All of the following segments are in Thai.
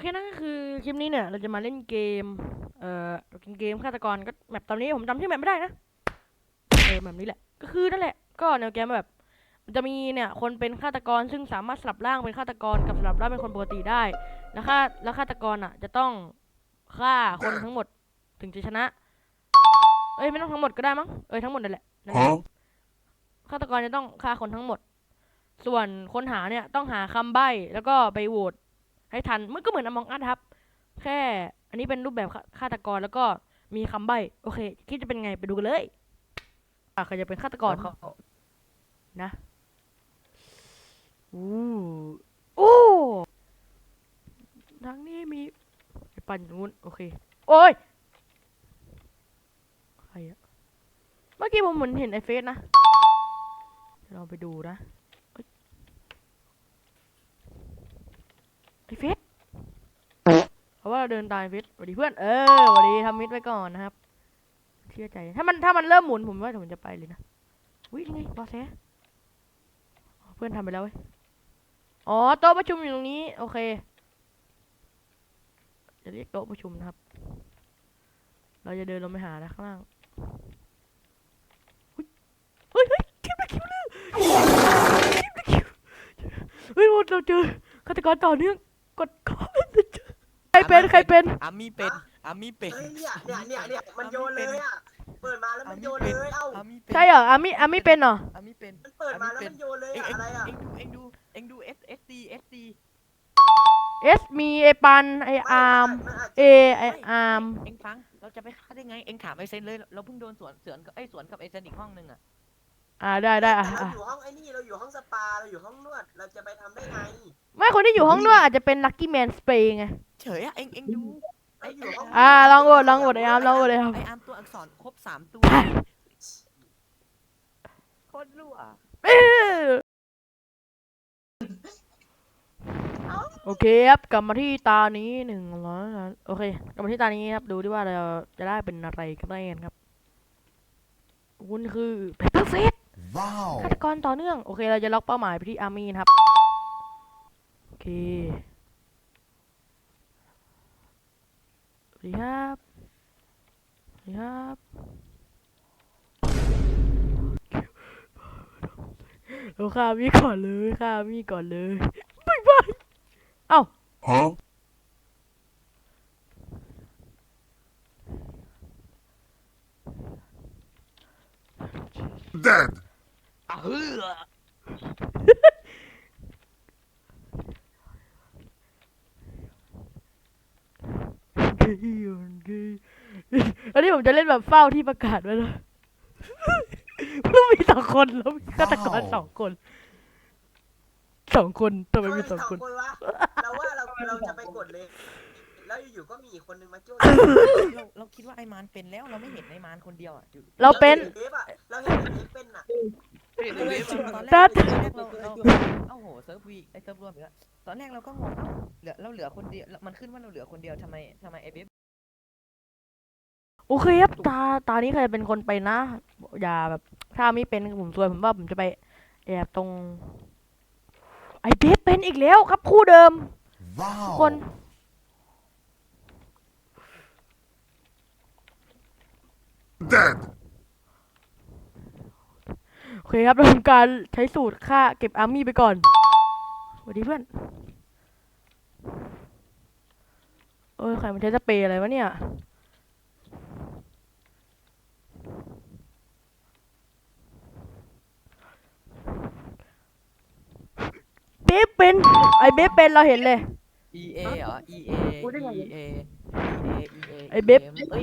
เคนั่นก็คือคลิปนี้เนี่ยเราจะมาเล่นเกมเกมฆาตกรก็แมปตอนนี้ผมจำชื่อแมปไม่ได้นะแบบนี้แหละก็คือนั่นแหละก็แนวเกมแบบมันจะมีเนี่ยคนเป็นฆาตกรซึ่งสามารถสลับร่างเป็นฆาตกรกับสลับร่างเป็นคนปกติได้แล้วฆาตกรอ่ะจะต้องฆ่าคนทั้งหมดถึงจะชนะไม่ต้องทั้งหมดก็ได้มั้งทั้งหมดนั่นแหละฆาตกรจะต้องฆ่าคนทั้งหมดส่วนคนหาเนี่ยต้องหาคำใบ้แล้วก็ไปโหวตให้ทันมันก็เหมือน Among Us ครับแค่อันนี้เป็นรูปแบบฆาตกรแล้วก็มีคำใบ้โอเคคิดจะเป็นไงไปดูกันเลยใครจะเป็นฆาตกรนะอู้อู้ทางนี้มีไอ้ปั่นนู้นโอเคโอ้ยใครอะเมื่อกี้ผมเหมือนเห็นไอ้เฟสนะลองไปดูนะไอ้เฟสเพราะว่าเราเดินตามเฟสสวัสดีเพื่อนสวัสดีทำมิดไว้ก่อนนะครับเชื่อใจถ้ามันเริ่มหมุนผมว่าผมจะไปเลยนะอุ้ยนี่ไงบอสแท้เพื่อนทำไปแล้วเว้ยอ๋อโต๊ะประชุมอยู่ตรงนี้โอเคจะเรียกโต๊ะประชุมนะครับเราจะเดินลงไปหานะข้างล่างเฮ้ยคิวเลยเฮ้ยเราเจอฆาตกรต่อเนื่องกดใครเป็นอามี่เป็นอามี่เป็นเฮ้ยเนี่ยมันโยนเลยอ่ะเปิดมาแล้วมันโยนเลยเอ้าอามี่เป็นใช่เหรออามี่เป็นเหรออามี่เป็นมันเปิดมาแล้วมันโยนเลยอะอะไรอ่ะเอ็งดูเอสดีมีไอปันไออาร์มไออาร์มเอ็งฟังเราจะไปฆ่าได้ไงเอ็งถามไอเซนเลยเราเพิ่งโดนสวนกับไอเซนอีกห้องนึงอ่ะได้แต่เราอยู่ห้องไอ้นี่เราอยู่ห้องสปาเราอยู่ห้องนวดเราจะไปทำได้ไงไม่คนที่อยู่ห้องนวดอาจจะเป็นลัคกี้แมนสเปรย์ไงเฉยอะเอ็งดูเราอยู่ห้องลองโหวตไออาร์มลองโหวตไออาร์มไออาร์มตัวอักษรครบ3 ตัวโคตรรั่วโอเคครับกลับมาที่ตานี้100โอเคกลับมาที่ตานี้ครับดูดิว่าเราจะได้เป็นอะไรกันแน่ครับคุณคือเปเปอร์เฟสฆาตกรต่อเนื่องโอเคเราจะล็อกเป้าหมายไปที่อาร์มี่นะครับโอเคสวัสดีครับสวัสดีครับเราฆ่ามีก่อนเลยบ๊ายบายเอ้า Dead. เฮ้ออันนี้ผมจะเล่นแบบเฝ้าที่ประกาศไว้นะต้องมี2 คนแล้วมีฆาตกร2 คนทำไมมี2 คนวะเราว่าเราจะไปกดเลยแล้วอยู่ๆก็มีอีกคนนึงมาจ้วเราคิดว่าไอมานเป็นแล้วเราไม่เห็นไอมานคนเดียวอ่ะเราเป็นเราเห็นเอฟเป็นอ่ะตอนแรกเราเอ้าโหเซิร์ฟวีไอเซิร์ฟรวมอีกแล้วตอนแรกเราก็งงเราเหลือคนเดียวมันขึ้นว่าเราเหลือคนเดียวทำไมไอเบฟโอเคครับตานี้ใครเป็นคนไปนะอย่าแบบถ้าไม่เป็นผมซวยผมว่าผมจะไปแอบตรงไอเบสเป็นอีกแล้วครับคู่เดิมคน Dead. โอเคครับเราทำการใช้สูตรฆ่าเก็บอาร์มี่ไปก่อนสวัสดีเพื่อนใครมันใช้สเปรย์อะไรวะเนี่ยเบฟเป็นไอเบฟเป็นเราเห็นเลย EA เหรอ EA ไอเบฟ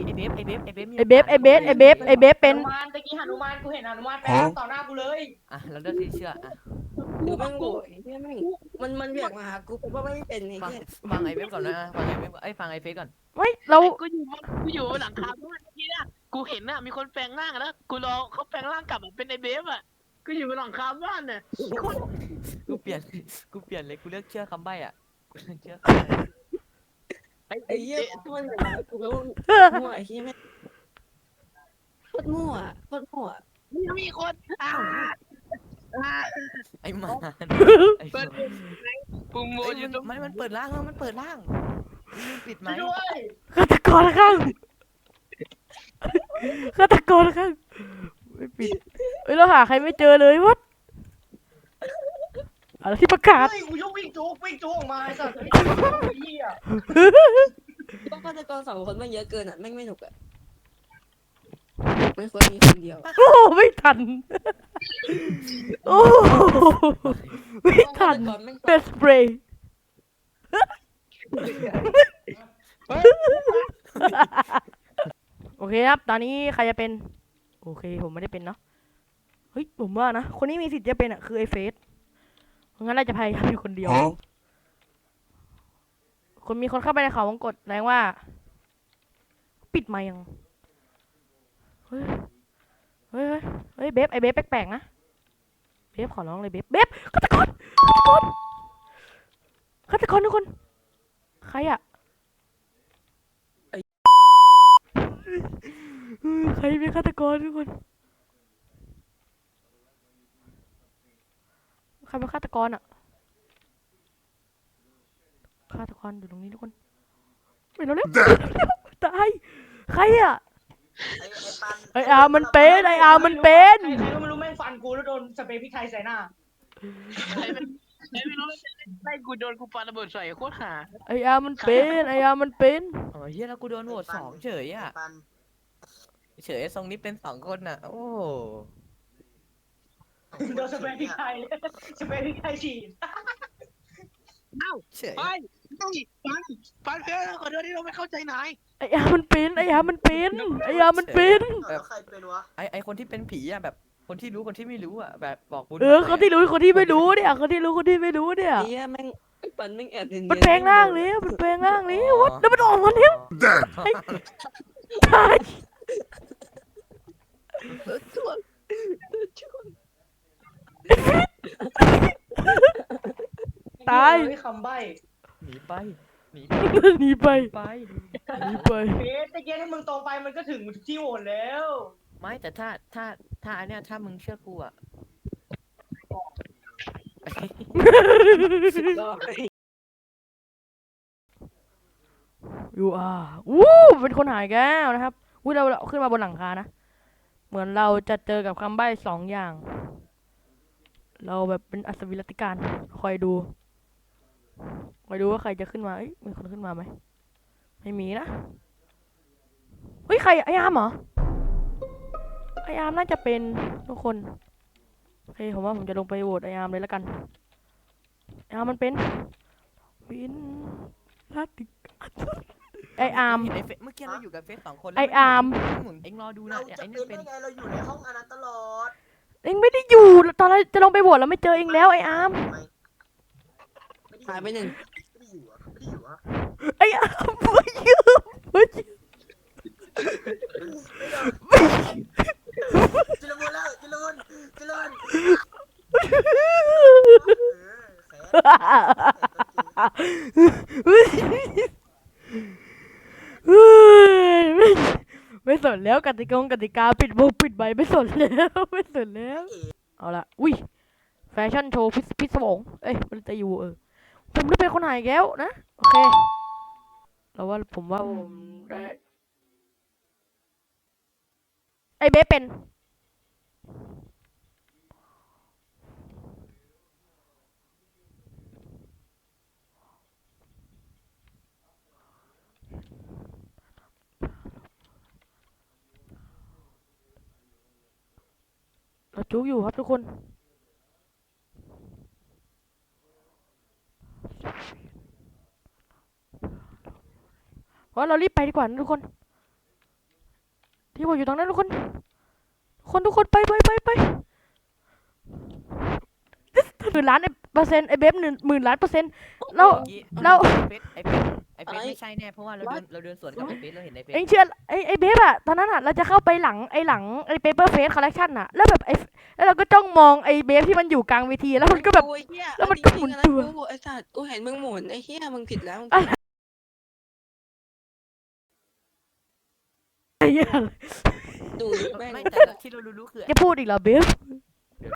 เป็นหนุมานตะกี้หนุมานกูเห็นหนุมานไปต่อหน้ากูเลยอ่ะเราเลือกที่เชื่ออ่ะกูแม่งโง่ไอ้เหี้ยแม่งมันเรียกมาหากูเพราะว่าไม่เป็นไอ้ฟังเหี้ยฟังไอเบฟก่อนนะฟังไอเบฟฟังไอเฟสก่อนเฮ้ยเรากูอยู่หลังคาบ้านเมื่อกี้นะกูเห็นน่ะมีคนแปลงร่างแล้วกูรอเขาแปลงร่างกลับเป็นไอเบฟอ่ะกูอยู่บนหลังคาบ้านเนี่ยกูเปลี่ยนเลยกูเลือกเชื่อคำใบ้อ่ะกูเลือกเชื่อไอ้เหี้ยมันเหมือนกูแล้วมั่วไอ้เหี้ยแม่งโคตรมั่วมีคนไอ้มาไอ้ปุ่มโมอยู่ตรงมันเปิดร่างแล้วมันเปิดร่างลืมปิดไหมฆาตกรข้างฆาตกรข้างไม่ปิดเอ้ยเราหาใครไม่เจอเลยวัดอะไรที่ประกาศเฮ้ยกูยกวิ่งจุกออกมาไอ้สัตว์ไอ้เหี้ยก็ฆาตกร2 คนมันเยอะเกินอ่ะแม่งไม่หนุกอ่ะไม่ควรมีคนเดียวโอ้ไม่ทันโอ้ไม่ทันฆาตกรแม่งเป็นสเปรย์โอเคครับตอนนี้ใครจะเป็นโอเคผมไม่ได้เป็นเนาะเฮ้ยผมว่านะคนนี้มีสิทธิ์จะเป็นอ่ะคือไอ้เฟสงั้นเราจะพยายามอยู่คนเดียว Huh? คนมีคนเข้าไปในเขาวงกตแรงว่า ปิดไมค์ยังเฮ้ยเฮ้ยเฮ้ยเบฟไอเบฟแปลกๆนะเบฟขอร้องเลยเบฟฆาตกรทุกคนใครอะใครเป็นฆาตกรทุกคนใครเป็นฆาตกรอะฆาตกรอยู่ตรงนี้ทุกคนไปแล้ว Dead. ตายใครอะไอ้ปันไออาร์มันเป็นไออาร์มันเป็นใครก็ไม่รู้แม่งฟันกูแล้วโดนสเปรย์พริกไทยใส่หน้าใครไม่รู้ไล่กูโดนกูปาระเบิดใส่โคตรหาไออาร์มันเป็นไออาร์มันเป็นอ๋อเฮียแล้วกูโดนโหวต2เฉยอ่ะไอ้ปันเฉยทรงนี้เป็น2คนน่ะโอ้โดนสเปรย์พริกไทยสเปรย์พริกไทยฉีดเอ้าเฉยไปต้องปันเพื่อนขอโทษที่เราไม่เข้าใจนายไออาร์มันเป็นไออาร์มันเป็นไออาร์มันเป็นแล้วใครเป็นวะไอคนที่เป็นผีอ่ะแบบคนที่รู้คนที่ไม่รู้อ่ะแบบบอกบุญคนที่รู้คนที่ไม่รู้เนี่ยคนที่รู้คนที่ไม่รู้เนี่ยไอ้เหี้ยแม่งไอ้ปันแม่งแอบเนียนๆมันแปลงร่างแล้วมันแปลงร่างแล้ววัดแล้วมันออกมาแล้ว Dead. ตายช่วงช่วงตายเฮ้คำใบ้หนีไปหนีหนีไปไปหนีไปเบสตะเกียบถ้ามึงโตไปมันก็ถึงที่โหวตแล้วไม่แต่ถ้าอันเนี้ยถ้ามึงเชื่อกูอ่ะยูอาร์วู้เป็นคนหายแก้วนะครับวู้เราขึ้นมาบนหลังคานะเหมือนเราจะเจอกับคำใบ้2 อย่าง เราแบบเป็นอัศวินรัตติการคอยดูว่าใครจะขึ้นมาเอ้ยมีคนขึ้นมาไหมไม่มีนะเฮ้ยใครไออาร์มเหรอไออาร์มน่าจะเป็นทุกคนโอเคผมว่าผมจะลงไปโหวตไออาร์มเลยแล้วกันไออาร์มมันเป็นวินรัตติการไออาร์มเห็นเมื่อกี้เราอยู่กับเฟส2 คนไออาร์มหมุนเอ็งรอดูเรานะเนี่ยจะไอ้เป็นี่นเป็นได้ไงเราอยู่ในห้องอันนั้นตลอดเอ็งไม่ได้อยู่ตอนแรกจะลงไปโหวตแล้วไม่เจอเอ็งแล้วไออาร์มไม่หายไปหนึ่งไม่ได้อยู่อะไม่ได้อยู่อะไออาร์มไม่ยืมไม่ยืมจิลมุนแล้วจิลมุนแขนไม่สนแล้วกติกาปิดวงปิดใบไม่สนแล้วไม่สนแล้วเอาละอุ้ยแฟชั่นโชว์พิศวงเอ้ยมันจะอยู่ผมได้เป็นคนหายแก้วนะโอเคเราว่าผมว่าผมได้ไอเบสเป็นเราจุกอยู่ครับทุกคนเพราะเรารีบไปดีกว่านะทุกคนที่ผมอยู่ตรงนั้นทุกคนไป10,000,000,000%ไอเบฟ10,000,000,000%แล้วไอ้เฟสไม่ใช่แน่เพราะว่าเราเดินสวนกับไอ้เฟสเราเห็นไอ้เฟสเอ็งเชื่อไอเบฟอะตอนนั้นอะเราจะเข้าไปหลังไอเปเปอร์เฟสคอลเลคชันอะแล้วแบบแล้วเราก็จ้องมองไอเบฟที่มันอยู่กลางเวทีแล้วมันก็แบบโอ้ยเหี้ยแล้วมันก็หมุนตัวกูไอ้สัตว์กูเห็นมึงหมุนไอ้เหี้ยมึงผิดแล้วไอ้เหี้ยดูแม่งไม่แต่ที่เรารู้คือจะพูดอีกเหรอเบฟ